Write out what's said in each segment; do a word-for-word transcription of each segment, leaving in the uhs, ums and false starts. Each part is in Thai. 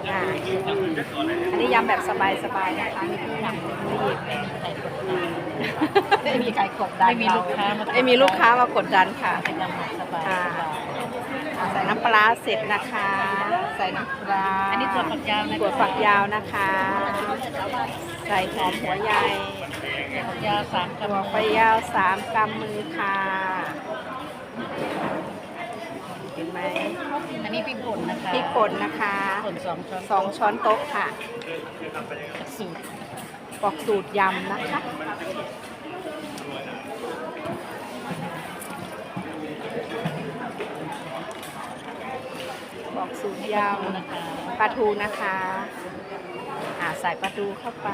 อ่าอันนี้ยำแบบสบายๆนะคะนี่คือยำรีบไม่มีใครกดดันไม่มีลูกค้ามาไม่มีลูกค้ามากดดันค่ะเป็นยำแบบสบายอ่าอ่าใส่น้ำปลาเสร็จนะคะ ใส่น้ำปลาอันนี้ถั่วฝักยาวนะถั่วฝักยาวนะคะ ใส่หอมหัวใหญ่ถั่วฝักยาวสามกถั่วฝักยาวสามกำมือค่ะเห็นไหมอันนี้พริกป่นนะคะพริกป่นนะคะป่นสองช้อนสองช้อนโต๊ะค่ะสูตรบอกสูตรยำนะคะบอกสูตรยนะคะำปลาทูนะคะอ่าใส่ปลาทูเข้าไป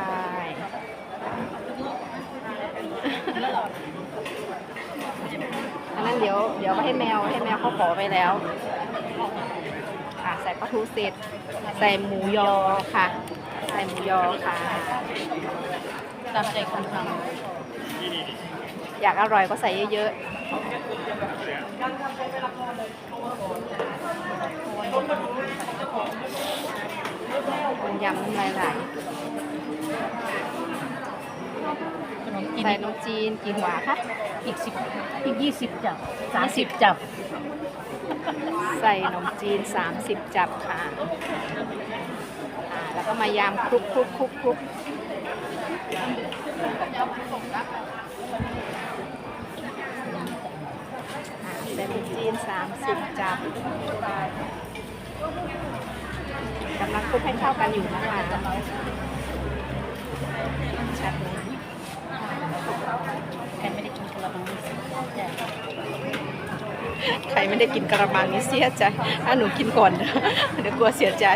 อันนั้นเดี๋ยวเดี๋ยวให้แมวให้แมวเขาขอไปแล้วอ่าใส่ปลาทูเสร็จ ใส่หมูยอค่ะ ใส่หมูยอค่ะตามใจคนทอยากอร่อยก็ใส่เยอะๆมันยำน้ำลายไหลำขนมจีนใส่นมจีนกี่หัวคะอีกสิบอีกยี่สิบจับสามสิบจับใส่นมจีนสามสิบจับค่ะอ่าแล้วก็มายำคลุกคลุกคลุกคลุกอ่าใส่นมจีนสามสิบจับกำลังคลุกให้เข้ากันอยู่นะคะชัดเลยแค่ไม่ได้กินกระมังนี่สิจ้ะใครไม่ได้กินกระมังนี่เสียใจถ้าหนูกินก่อน เดี๋ยวกลัวเสียใจ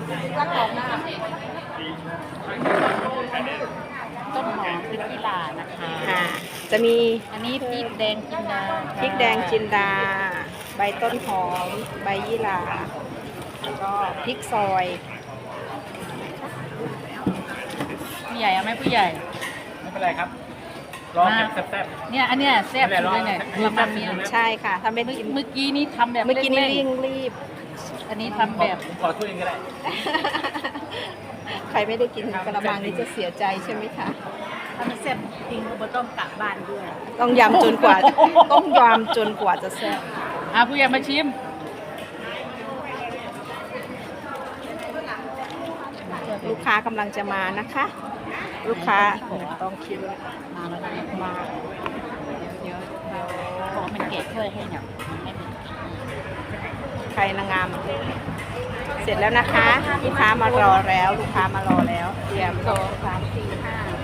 ต้นหอมพริกขี้หร่านะคะอ่าจะมีอันนี้พริกแดงจินดาพริกแดงจินดา ใบต้นหอม ใบยี่หร่าแล้วก็พริกซอยผู้ใหญ่เอาไหมผู้ใหญ่ไม่เป็นไรครับรอเก็บแซ่บเนี่ยอันเนี้ยแซ่บสุดเลยเนี่ยกระมังเนี่ยใช่ค่ะ ถ้าไม่เมื่อกินเมื่อกี้นี้ทำแบบเมื่อกี้นี่ร่รีงบรีบๆอันนี้ทำๆแบบผมขอถ้วยหนึงก็ได้ใครไม่ได้กินกระมังนี้จะเสียใจใช่ไหมคะถ้ามันแซ่บจริงก็ต้องกลับบ้านด้วยต้องยำจนกว่า ต้องยำจนกว่าจะแซ่บอ่ะผู้ใหญ่มาชิมลูกค้ากำลังจะมานะคะ ลูกค้าต้องคิดมาแล้วนะมาเยอะขอมันเกะถ้วยให้เนี่ยมันไม่เป็นใครนางงาม เสร็จแล้วนะคะ ลูกค้ามารอแล้ว ลูกค้ามารอแล้วเตรียมสองสามสี่ห้า